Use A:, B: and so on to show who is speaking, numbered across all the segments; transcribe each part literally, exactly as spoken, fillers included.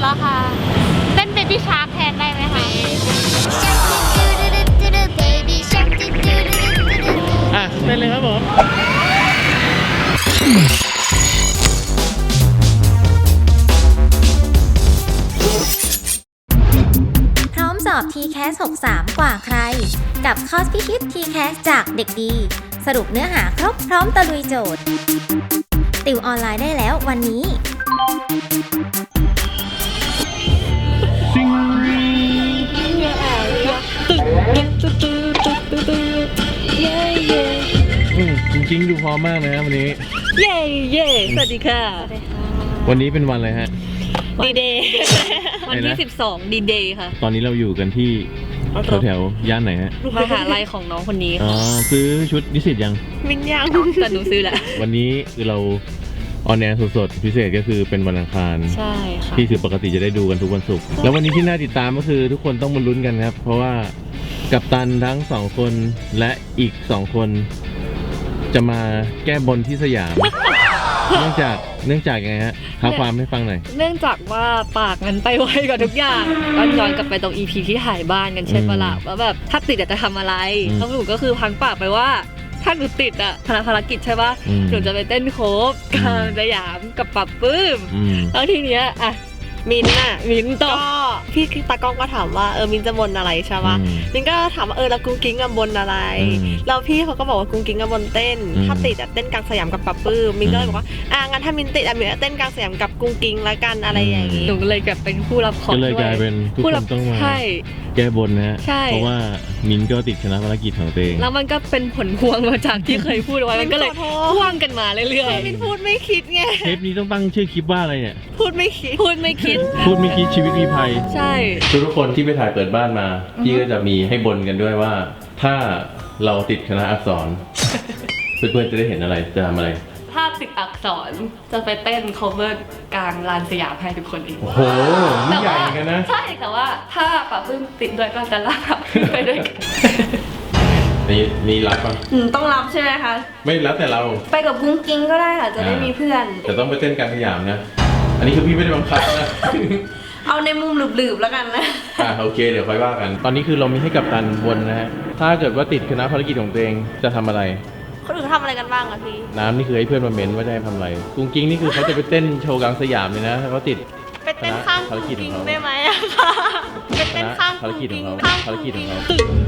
A: แล้วค่ะเต้นเบบี้ชาร์กแทนได้ไหมคะ
B: อ่ะเต้นเลยครับผม
C: พร้อมสอบ ที แคส หกสิบสาม กว่าใครกับคอร์สพิชิต ที แคส จากเด็กดีสรุปเนื้อหาครบพร้อมตะลุยโจทย์ติวออนไลน์ได้แล้ววันนี้
B: จริงๆดูพร้อมมากนะวันนี้
D: เย่เย่สวัสดีค่ะ
B: วันนี้เป็นวันอะไรฮะ
D: ดีเดย์วันที่สิบสองดีเดย์ค่ะ
B: ตอนนี้เราอยู่กันที่แถวแถวย่านไหนฮะ
D: มหาลัยของน้องคนนี้
B: อ๋อซื้อชุดนิสิตยัง
D: มินยังแต่หนูซื้อแหละ
B: วันนี้คือเราออนแอร์สดๆพิเศษก็คือเป็นวันอังคาร
D: ใช่ค่ะ
B: ที่คือปกติจะได้ดูกันทุกวันศุกร์แล้ววันนี้ที่น่าติดตามก็คือทุกคนต้องมาลุ้นกันครับเพราะว่ากัปตันทั้งสองคนและอีกสองคนจะมาแก้บนที่สยามเนื่องจากเนื่องจากไงฮะท้าความให้ฟังหน่อย
D: เนื่องจากว่าปากมันไปไวกว่าทุกอย่างก็ย้อนกลับไปตรง อี พี ที่ถ่ายบ้านกันใช่ปะล่ะว่าแบบถ้าติดจะทำอะไรแล้วหนูก็คือพังปากไปว่าถ้าหนูติดอะภารกิจใช่ปะหนูจะไปเต้นโคฟกลางสยามกับปับปื้มแล้วทีเนี้ยอะมินน่ะมินก็พี่ตากล้องก็ถามว่าเออมินจะบนอะไรใช่ปะมินก็ถามว่าเออแล้วกุ้งกิ้งกับบนอะไรแล้วพี่เขาก็บอกว่ากุ้งกิ้งกับบนเต้นถ้าติดอะเต้นกลางสยามกับปับปื้มมินก็เลยบอกว่าอ่ะงั้นถ้ามินติดอะมินเต้นกลางสยามกับกุ้งกิ้งละกันอะไรอย่างงี้หนูก็เลยแบบเป็นผู้รับของด้วย
B: ก็เลยกลายเป็นทุกคนต้องมาแก้บนนะฮะเพราะว่ามินก็ติดชนะภารกิจของตัวเอง
D: แล้วมันก็เป็นผลพวงมาจากที่เคยพูดไว้มันก็เลยพ่วงกันมาเรื่อย
A: ๆมินพูดไม่คิดไง
B: เทปนี้ต้องตั้งชื่อคลิปว่าอะไรเนี่ย
A: พูดไม่คิด
D: พูดไม่คิด
B: พูดไม่คิดชีวิตมีภัย
D: ใช่
B: ทุกคนที่ไปถ่ายเปิดบ้านมาพี่ก็จะมีให้บนกันด้วยว่าถ้าเราติดคณะอักษรเพื่อนๆจะได้เห็นอะไรจะทำอะไร
D: ถ้าติดอักษรจะไปเต้น cover กลางลานสยามให้ทุกคนเอง
B: โอ้โหนี่ใหญ่กันนะ
D: ใช่แต่ว่าถ้าป่าพึ่งติดด้วยก็จะลากป่าพึ่งไปด้วยกัน
B: นี่นี่รับป่ะ
D: ต้องรับใช่ไหมคะ
B: ไม่รับแต่เรา
D: ไปกับกุ้งกิ้งก็ได้ค่ะจะได้มีเพื่อน
B: แต่ต้องไปเต้นกลางสยามนะอันนี้คือพี่ไม่ได้บังคับนะ
D: เอาในมุมหลืบๆแล้วกันนะ
B: อ่าโอเคเดี๋ยวค่อยว่ากันตอนนี้คือเรามีให้กัปตันวนนะฮะถ้าเกิดว่าติดคณะภารกิจของตัวเองจะทำอะไร
A: คนอื่นทำอะไรกันบ้างอะพี่
B: น้ำนี่คือให้เพื่อนมาเม้นว่าจะทำอะไรกุ้งกิ้งนี่คือเขาจะไปเต้นโชว์กลางสยามเลยนะเขาติด
A: ไปเต้นข้างกุ้งกิ้งได้ไหมอะคะไปเต้นข้าง
B: ภารกิจของเขาภารกิจของเขา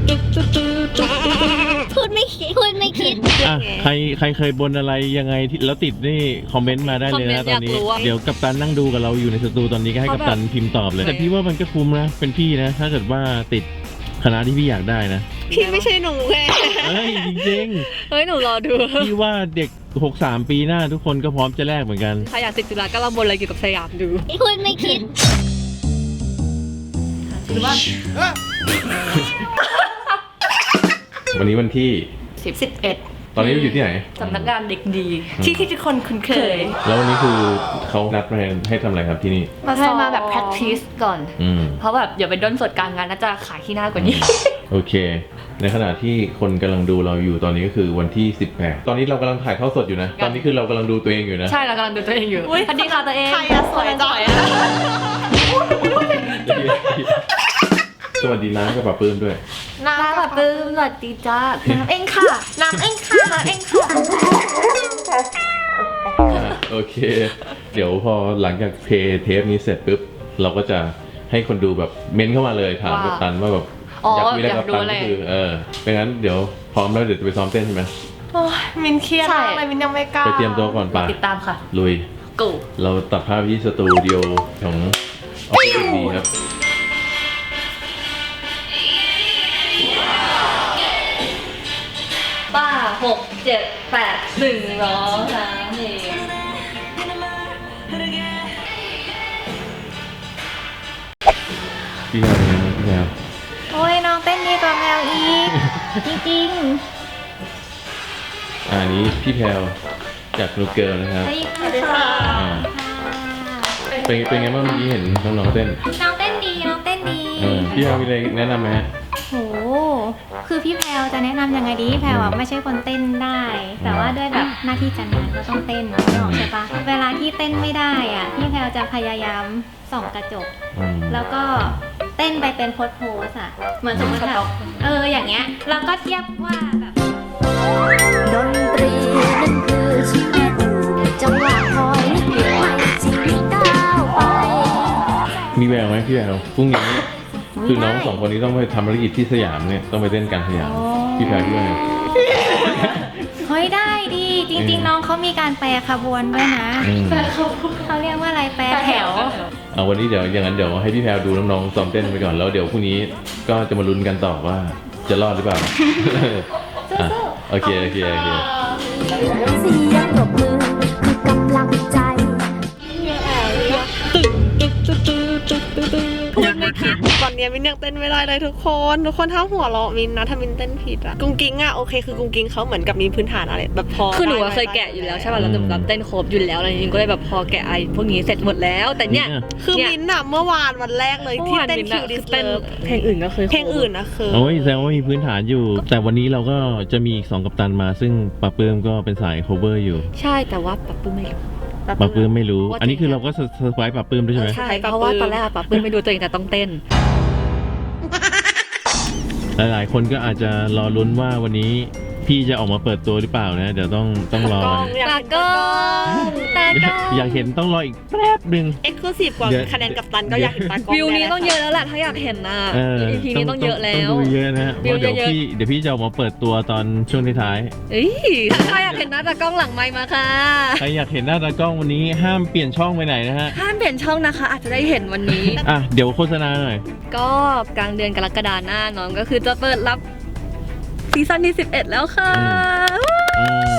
A: พูดไม่คิดพูดไม่คิด
B: อ่ะใครใครเคยบนอะไรยังไงแล้วติดนี่คอมเมนต์มาได้เลยนะตอนนี้เดี๋ยวกัปตันนั่งดูกับเราอยู่ในสตูตอนนี้ก็ให้กัปตันพิมพ์ตอบเลยแต่พี่ว่ามันก็คุ้มนะเป็นพี่นะถ้าเกิดว่าติดคณะที่พี่อยากได้นะ
A: พี่ไม่ใช่หนูแค่
B: เฮ้ยจริง
D: ๆเฮ้ยหนูรอดู
B: พี่ว่าเด็กหกสิบสามปีหน้าทุกคนก็พร้อมจะแลกเหมือนกัน
D: ใครอยากติดจุฬาก็ลองบนอะไรเกี่ยวกับสยามดู
A: พูดไม่คิด
D: หรือว่า
B: วันนี้วันที่
D: สิบ สิบเอ็ด
B: ตอนนี้เราอยู่ที่ไหน
D: สำนักงานเด็กดีที่ที่ทุกคนคุ้นเคย
B: แล้ววันนี้คือเขานัดมาให้ทำอะไรครับที่นี่
D: มาให้มาแบบ practice ก่อนเพราะแบบอย่าไปด้นสดกลางงานน่าจะขายที่หน้ากว่านี้
B: โอเคในขณะที่คนกำลังดูเราอยู่ตอนนี้ก็คือวันที่สิบแปดตอนนี้เรากำลังถ่ายเข้าสดอยู่นะตอนนี้คือเรากำลังดูตัวเองอยู่นะ
D: ใช่เรากำลังดูตัวเองอยู่สวัสดีค่ะตัวเอง
A: ใครอะสวยจัง
B: สวัสดีน้ำกับป้าปื้มด้วย
D: น้ำกับปื้มสวัสดีจ้าน้ำเองค่ะ
A: น้ำเองค่ะน้ำเองค่ะ
B: โอเคเดี๋ยวพอหลังจากเพลย์เทปนี้เสร็จปุ๊บเราก็จะให้คนดูแบบเม้นเข้ามาเลยถามกัปตันว่าแบบอยากมีอะไรกับกัปตันก็คือเออเป็นงั้นเดี๋ยวพร้อมแล้วเดี๋ยวจะไปซ้อมเต้นใช่ไหม
A: โอ้ยมินเครียดมากเลยมินยังไม่กล้า
B: ไปเตรียมตัวก่อนป่ะ
D: ติดตามค่ะ
B: ลุย
D: กู
B: เราตัดภาพที่สตูดิโอของออฟฟิศดีครับ
D: ป้าหกเจ็ดแปดหนึ่งสองสามสี่
B: พี่แมวเป็นไงพี่แมว
A: โอ้ยน้องเต้นดีกว่าแมวอีกจริง
B: ๆอันนี้พี่แพลวจากลูกเกิร์ลนะครับ
A: สวัสดีค่ะ
B: เป็นเป็นไงบ้างเมื่อกี้เห็นน้องๆเต้น
A: น้องเต้นดีน้องเต้นดี
B: พี่แพลวมีอะไรแนะนำไหมฮะ
A: โห
C: คือพี่แพรวจะแนะนำยังไงดีพี่แพรวอะไม่ใช่คนเต้นได้ แต่ว่าด้วยแบบหน้าที่การงานก็ต้องเต้นไม่ออกใช่ปะเวลาที่เต้นไม่ได้อ่ะพี่แพรวจะพยายามส่องกระจก
B: อืม
C: แล้วก็เต้นไปเป็นโพสโพสอะเหมือนสมมติแบบเอออย่างเงี้ยเราก็เทียบว่าแบบดนตรีนั่นคือชีวิตจังหวะคอยลิบให้ชีวิตก้าวไป
B: มีแววไหมพี่แววพรุ่งนี้คือน้องสองคนนี้ต้องไปทำภารกิจที่สยามเนี่ยต้องไปเต้นกลางสยามพี่แพรด้วย
C: เฮ้ยได้ดีจริงๆน้องเขามีการแปรขบวนด้วยนะ
B: อืม
C: เขาเรียกว่าอะไรแปรแถว
B: เอาวันนี้เดี๋ยวอย่างนั้นเดี๋ยวให้พี่แพรดูน้องๆซ้อมเต้นไปก่อนแล้วเดี๋ยวพรุ่งนี้ก็จะมาลุ้นกันต่อว่าจะรอดหรือเปล่า อ่ะโอเคโอเคโอเค
C: เสียงปรบมือคือกำลังใจ
E: พูดไม่ผิดตอนเนี้ยมินยังเต้นไม่ได้เลยทุกคนทุกคนถ้าหัวเราะมินนะถ้ามินเต้นผิดอะกุ้งกิ้งอะโอเคคือกุ้งกิ้งเขาเหมือนกับมีพื้นฐานอะไรแบบพอ
D: คือหนูอะ
E: ได้
D: เคยแกะอยู่แล้วใช่ป่ะแล้วหนูแบบเต้นครบอยู่แล้วอะไรจริงๆก็เลยแบบพอแกะไอ้พวกนี้เสร็จหมดแล้ว แต่เนี่ย
E: คือ
D: เนี่ย
E: มินอะเมื่อวานวันแรกเลยที่เต้นคิวดิส
D: เต้น
E: เลิฟ
D: เพลงอื่นก็เคย
E: เพลงอื่นนะคือ
B: โอ้ยแสดงว่ามีพื้นฐานอยู่ แต่วันนี้เราก็จะมีอีกสองกัปตันมาซึ่งปะเปิมก็เป็นสาย cover อยู่
D: ใช่แต่ว่าปะปื้มไม่รู้
B: ปะเปิมไม่รู้
D: ว่าจะ
B: อันนี้คือเราก็เซอร์ไพรส์ปะเปิมด้วยใช่ไหม
D: ใช่เพราะว่าตอนแรกอะปะปื้มไม่ดูตัวเองแต่ต้องเต้น
B: หลายๆคนก็อาจจะรอลุ้นว่าวันนี้พี่จะออกมาเปิดตัวหรือเปล่านะ เดี๋ยวต้องต้องรอ
E: กล้องอยาก
D: ตา
E: เห็น
D: กล้
E: ตา
D: อก
E: ล้อง
D: งตากล้อง
B: อยากเห็นต้องรออีกแป๊บหนึ่ง
E: เอ็กซ์คลูซีฟกว่า
B: เดี๋ยว
E: คะแนนกับตันก็อยากเห็นตากล้อง
D: วิวนี้
E: แ
D: ต้องเยอะแล้วแหละถ้าอยากเห็นนะ
B: เออ
D: อีพีนี้ต้องเยอะแล้
B: ต้อ
D: ว
B: งดูเยอะนะฮะเพ
D: วิว
B: ราะเดี๋ยว
D: เยอะๆ
B: พี่เดี๋ยวพี่จะออกมาเปิดตัวตอนช่วงท้าย
D: เอ้ยถ้าอยากเห็นหน้าตากล้องหลังไมค์มาค่ะ
B: ๆใครอยากเห็นหน้าตากล้องวันนี้ห้ามเปลี่ยนช่องไปไหนนะฮะ
D: ห้ามเปลี่ยนช่องนะคะ อาจจะได้เห็นวันนี้
B: อ่ะเดี๋ยวโฆษณาหน่อย
D: ก็กลางเดือนกรกฎาหน้าน้องก็คือจะเปิดรับซีซั่นที่สิบเอ็ดแล้วค่ะ
B: อืม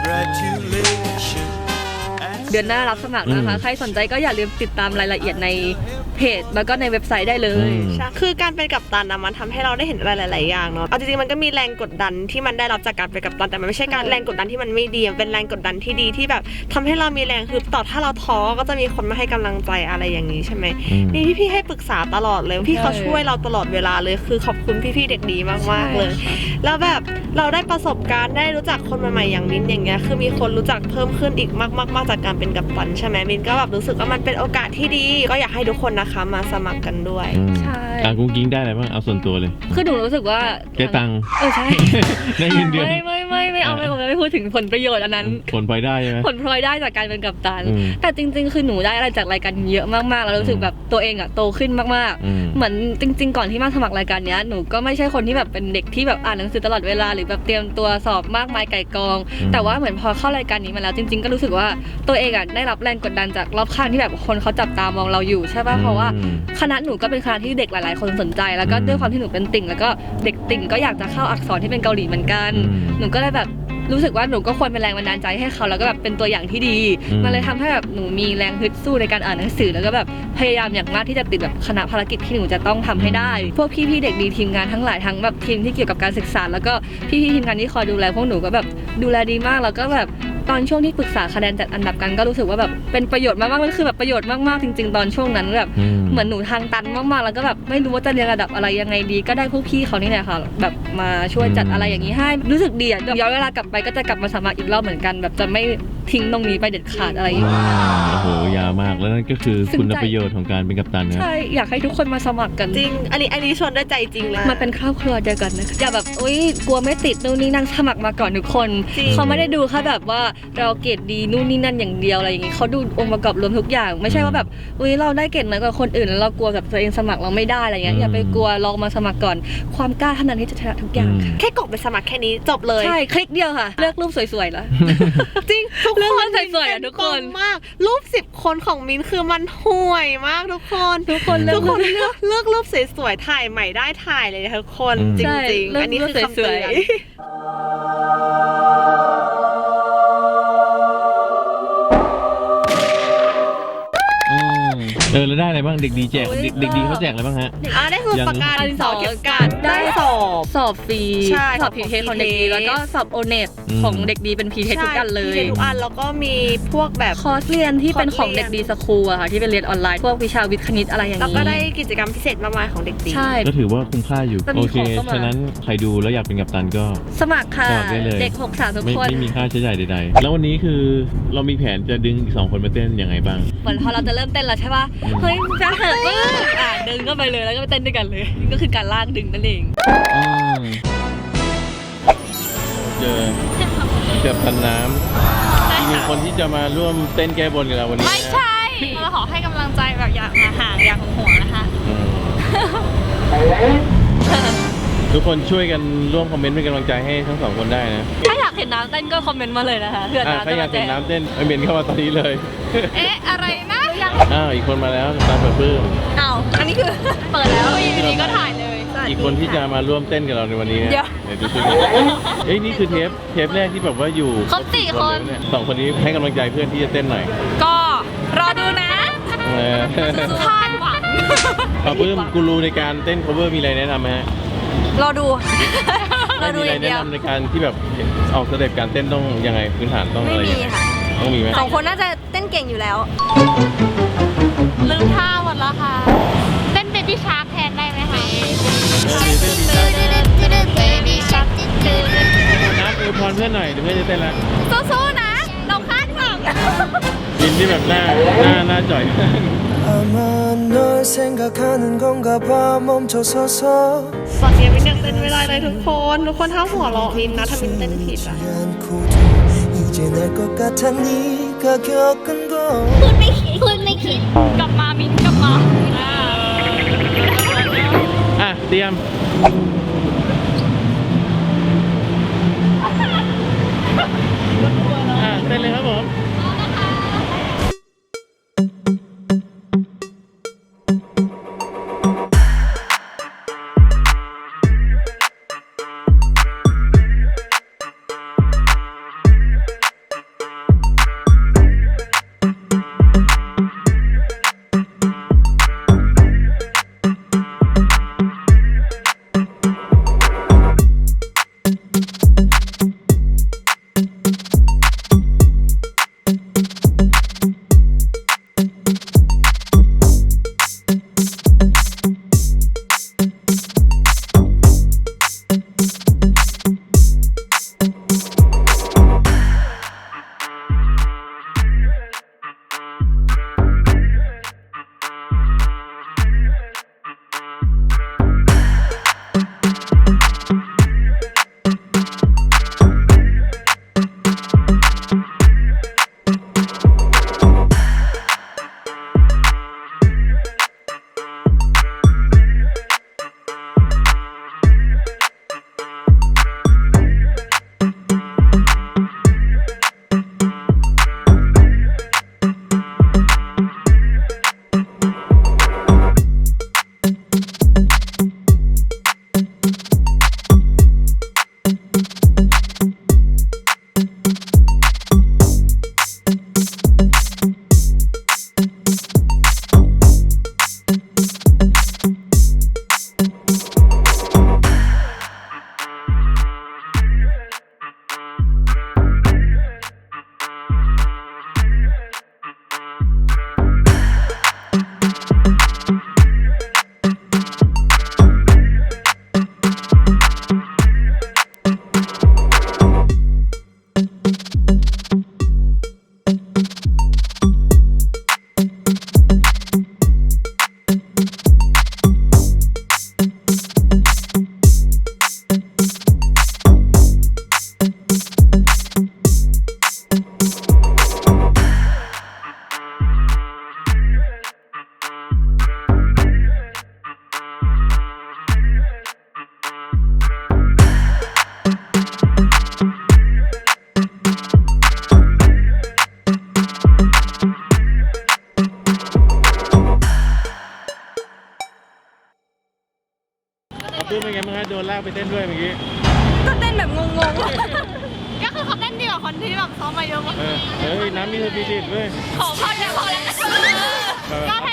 D: เดือนหน้ารับสมัครนะคะ
B: อืม
D: ใครสนใจก็อย่าลืมติดตามรายละเอียดในเพจแล้วก็ในเว็บไซต์ได้เลย
B: อืม
E: ใช่คือการเป็นกัปตันนะมันทำให้เราได้เห็นอะไรหลาย ๆ อย่างเนาะเอาจริง ๆ มันก็มีแรงกดดันที่มันได้รับจากการเป็นกัปตันแต่มันไม่ใช่การแรงกดดันที่มันไม่ดีมันเป็นแรงกดดันที่ดีที่แบบทำให้เรามีแรงฮึดต่อถ้าเราท้อก็จะมีคนมาให้กำลังใจอะไรอย่างนี้ใช่ไหม
B: อืม
E: นี่พี่ๆให้ปรึกษาตลอดเลยพี่เขาช่วยเราตลอดเวลาเลยคือขอบคุณพี่ๆเด็กดีมาก ๆ เลย แล้วแบบเราได้ประสบการณ์ได้รู้จักคนใหม่ ๆ อย่างมินอย่างเงี้ยคือมีคนรู้จักเพิ่มขึ้นอีกมากๆๆจากการเป็นกัปตันใช่ไหมมินก็แบบรู้สึกว่ามันเป็นโอกาสที่ดีก็อยากให้ทุกคนนะคะมาสมัครกันด้วย
B: อืม
D: ใช่
B: อ่ะกุ้งกิ้งได้อะไรบ้างเอาส่วนตัวเลย
D: คือหนูรู้สึกว่า
B: ได้ตังค์
D: เออใช่
B: ได้เงินเดือน
D: ไม่ไม่ไม่ไม่เอาไม่ผมไม่พูดถึงผลประโยชน์อันนั้น
B: ผลพลอยได้ใช่ไหม
D: ผลพลอยได้จากการเป็นกัปตัน
B: อืม
D: แต่จริง ๆ คือหนูได้อะไรจากรายการเยอะมากๆ แล้วรู้สึกแบบตัวเองอะโตขึ้นมาก
B: อืม
D: ๆ เหมือนจริง ๆ ก่อนที่มาสมัครรายการเนี้ยหนูก็ไม่ใช่คนที่แบบเป็นเด็กที่แบบอ่านหนังสือตลอดเวลาหรือแบบเตรียมตัวสอบมากมายไก่กอง
B: อืม
D: แต่ว่าเหมือนพอเข้ารายการนี้มาแล้วจริง ๆ ก็รู้สึกว่าตัวเองอะได้รับแรงกดดันจากรอบข้างที่แบบคนเขาจับตามองเราอยู่ใช่ป่ะเพราะว่า
B: อืม
D: คณะหนูก็เป็นคณะที่เด็กหลาย ๆ คนสนใจ แล้วก็
B: อืม
D: ด้วยความที่หนูเป็นติ่ง แล้วก็เด็กติ่งก็อยากจะเข้าอักษรที่เป็นเกาหลีเหมือนกัน
B: อืม
D: หนูก็เลยแบบรู้สึกว่าหนูก็ควรเป็นแรงบันดาลใจให้เขาแล้วก็แบบเป็นตัวอย่างที่ดี
B: อืม
D: มันเลยทำให้แบบหนูมีแรงฮึดสู้ในการอ่านหนังสือแล้วก็แบบพยายามอย่างมากที่จะติดแบบคณะภารกิจที่หนูจะต้องทำให้ได้ พวกพี่ๆเด็กดีทีมงานทั้งหลายทั้งแบบทีมที่เกี่ยวกับการศึกษา แล้วก็พี่ๆทีมงานที่คอยดูแลพวกหนูก็แบบดูแลดีมากแล้วก็แบบตอนช่วงที่ปรึกษาคะแนนจัดอันดับกันก็รู้สึกว่าแบบเป็นประโยชน์มากๆมันคือแบบประโยชน์มากๆจริง ๆ ตอนช่วงนั้นแบบ
B: อืม
D: เหมือนหนูทางตันมากๆ แล้วก็แบบไม่รู้ว่าจะเรียนระดับอะไรยังไงดี ก็ได้พวกพี่เขานี่แหละค่ะ แบบมาช่วยจัดอะไรอย่างนี้ให้ รู้สึกดีอ่ะย้อนเวลากลับไปก็จะกลับมาสมัครอีกรอบเหมือนกัน แบบจะไม่ทิ้งตรงนี้ไปเด็ดขาดอะไรอย่าง
B: อื
D: เงี้ย
B: มโอ้โหยาวมากแล้วนั่นก็คือ
D: ซึ้งใจ
B: คุณประโยชน์ของการเป็นกัปตันนะ
D: ใช่ อยากให้ทุกคนมาสมัครกัน
E: จริง อันนี้อันนี้ชวนด้วยใจจริงเลย
D: มาเป็นครอบครัวเดียวกันนะคะอย่าแบบอุ้ยกลัวไม่ติดนู่นนี่นั่นสมัครมาก่อนทุกคน
E: จริง
D: เขาไม่ได้ดูแค่แบบว่าเราเกรดดีนู่นนี่นั่นอย่างเดียวอะไรอย่างงี้เขาดูองค์ประกอบรวมทุกอย่าง ไม่ใช่ว่าแบบอุ้ยเราได้เกรดน้อยกว่าคนอื่นแล้วเรากลัวแบบตัวเองสมัครเราไม่ได้อะไรเงี้ยอย่าไปกลัวลองมาสมัครก่อน ความกล้าเท่านั้นที่จะชนะทุกอย่างค่ะ
E: แค่กดไปสมัครแค่นี้จบเลย
D: ใช่คลิกเดียวค่ะ เลือกรูปสวยๆแล้ว
E: จริงทุก
D: เรื่อง
E: ค
D: มัน นสวยๆอะทุกคน
E: เป็มากรูปสิบคนของมินคือมันห่วยมากทุกคน
D: ทุกคนเลื
E: ทุ
D: อก
E: กคนเลือกเลือกรูปสวยๆถ่ายใหม่ได้ถ่ายเลยทุกคน
B: อืม
E: จริ
D: ใช่
E: งๆ
D: เลือก
E: อันนี้คือ
D: รูป
E: คำเตื
D: สวย
E: อน
B: อืมเออแล้วได้อะไรบ้างเด็กดีแจกเด็กเด็กดีเขาแจกอะไรบ้างฮะ
E: อ่าได้สมุดปากกาดินสอเก็บกัน
D: ได้
E: ได้สอบ
D: สอบฟรี
E: ใช่
D: สอบพีเทของเด็กดี
E: ของ
D: แล้วก็สอบโอเน็ต
B: อืม
D: ของเด็กดีเป็นพีเททุกอันเลย
E: ใช่ทุกอันแล้วก็มีพวกแบบ
D: คอร์สเรียนที่เป็นของ
E: คอร์สเรียน
D: เด็กดีสคูลอะค่ะที่เป็นเรียนออนไลน์พวกวิชาวิทย์คณิตอะไรอย่าง
E: แล้ว
D: นี้
E: ก็ได้กิจกรรมพิเศษมากมายของเด็กดี
D: ใช่
B: ก็ถือว่าคุ้มค่าอยู่
D: จะมี
B: โอเค
D: ของเข้ามา
B: ฉะนั้นใครดูแล้วอยากเป็นกัปตันก็
D: สมัครค่ะ
B: สมัครได้เลย
D: เด็กหกสามทุก
B: ไม่
D: คน
B: ไม่มีค่าใช้จ่ายใดๆแล้ววันนี้คือเรามีแผนจะดึงอีกสองคนมาเต้นยังไงบ้าง
D: เหมือนพอเราจะเริ่มเต้นแล้วใช่ป่ะ
B: อืม
D: เฮ้ยจะเหินปึ๊บอ่ะดึงก็ไปเลยแล้วก็ไปเต้นด้วยกันเลยนี่ก็คือการลากดึงนั่นเอง
B: อืมเจอเกับตันน้ำอีกหนึ่งคนที่จะมาร่วมเต้นแก้บนกับเราวันนี้นะ
F: ไม่ใช่เราขอให้กำลังใจแบบอย่างห่างๆอย่างห่วงๆนะคะ
B: อืมทุกคนช่วยกันร่วมคอมเมนต์เป็นกำลังใจให้ทั้งสองคนได้นะ
D: ถ้าอยากเห็นน้ำเต้นก็คอมเมนต์มาเลยนะคะเพื่อ
B: อ่ะ
D: น้ำ
B: ใคร
D: จะ
B: อยากเห็นน้ำเต้นคอมเมนต์เข้ามาตอนนี้เลย
F: เอ๊ะ อะไรนะ
B: อ้าวอีกคนมาแล้วตามเปิดปื้ม
F: อ้าวอันนี้คือเปิดแล้วอยู่ดีๆก็ถ่ายเลย
B: อีกคนที่จะมาร่วมเต้นกับเราในวันนี้นะ
F: เดี๋ยว
B: เดี๋ยวดูช่วยกันเอ้ยนี่คือเทปเทปแรกที่แบบว่าอยู่
F: ครบสี่คน
B: เลยเยสองคนนี้ให้กำลังใจเพื่อนที่จะเต้นหน่อย
F: ก็รอดูนะ
B: เออ
F: คาดหวัง
B: ปาปื้มกูรูในการเต้น cover มีอะไรแนะนำไหมฮะ
F: รอดู รอ
B: ไม่
F: ดู
B: มี
F: อ
B: อะไร
F: ย่างเดี
B: แนะ
F: ยวน
B: ำในการที่แบบออกสเต็ปการเต้นต้องยังไงพื้นฐานต้องอะไรยังไงต้องมีไหม
F: สองคนน่าจะเต้นเก่งอยู่แล้ว ลืมท่าหมดแล้วค่ะ เต้นเบบี้ชาร์กแทนได้ไหมคะ
B: เออมีเต้นดีจัง
F: เบบี้ชาร์ก
B: นับอวยพรเพื่อนหน่อยเดี๋ยวเพื่อนจะเต้นละ
F: สู้ๆนะ เราคาดหวัง
B: ยินที่แบบหน้าหน้าหน้าจ่อย
G: 아마 널 생각하는 건가 봐 멈춰서서
E: ตอนนี้มินยังเต้นไม่ได้เลยทุกคน ทุกคนห้ามหัวเราะมินนะถ้ามินเต้นผิดอะ
G: 않고도 이제 날 것 같아 네가 겪은 거
F: พูดไม่คิดพูดไม่คิด กลับมามินกลับมาอ่า
B: อ่ะเตรียมอ่ะเต้นเลยครับผม ปื้มเป็นไงบ้างฮะโดนลากไปเต้นด้วยเมื่อกี้
F: ก็เต้นแบบงงๆ ก็คือเขาเต้นดีกว่าคนที่แบบซ้อมมาเยอะมาก
B: เออเฮ้ยน้ำมีสปิริตเว้ย
F: ขอพอแล้วพอแล้วก็ให้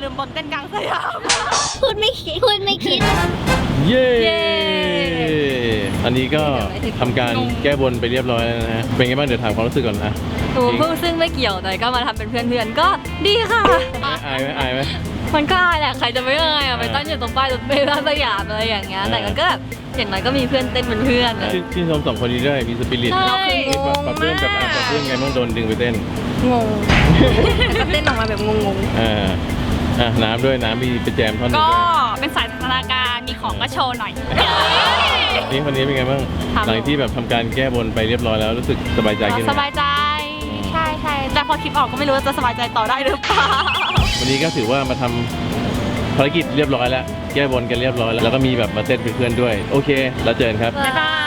F: ลืมบนเต้นกลางสยาม
C: พูดไม่คิด พูดไม่คิด
B: เย้
D: เย้
B: อันนี้ก็ทำการแก้บนไปเรียบร้อยแล้วนะฮะ เป็นไงบ้างเดี๋ยวถามความรู้สึกก่อนนะ
D: หนูเพิ่งซึ่งไม่เกี่ยวแต่ก็มาทำเป็นเพื่อนๆก็ดีค่ะ
B: อายไหมอายไหม
D: มันก็อายแหละใครจะไม่อายอ่ะไปตั้งอยู่ตรงป้ายรถเมล์ร้านสยามอะไรอย่างเงี้ยแต่มันก็แบบอย่างน้อยก็มีเพื่อนเต้นเป็นเพื่อนอะ
B: ชื่นชื่นชมสองคนนี้ด้วย มีสปิริต
D: ใช่
B: ปรับเรื่องกับอ่ะปรับเรื่องไงบ้างโดนดึงไปเต้น
D: งงก็เต้นออกมาแบบงง
B: อ่า อ่ะน้ำด้วยน้ำมีไปแจมท่อนหนึง
F: ก็
B: ด้วย
F: เป็นสายพัฒนาการมีของก็โชว์หน่อย
B: นี่คนนี้เป็นไงบ้าง
F: ครับ
B: หลังที่แบบทำการแก้บนไปเรียบร้อยแล้วรู้สึกสบายใจขึ้นไหม
F: สบายใจ ใช่ใช่แต่พอคลิปออกก็ไม่รู้ว่าจะสบายใจต่อได้หรือเปล่า
B: วันนี้ก็ถือว่ามาทำภารกิจเรียบร้อยแล้ว แก้บนกันเรียบร้อยแล้ว แล้วก็มีแบบมาเต้นเป็นเพื่อนด้วย โอเค แล้วเจอกันครับ
D: ๆบ๊ายบาย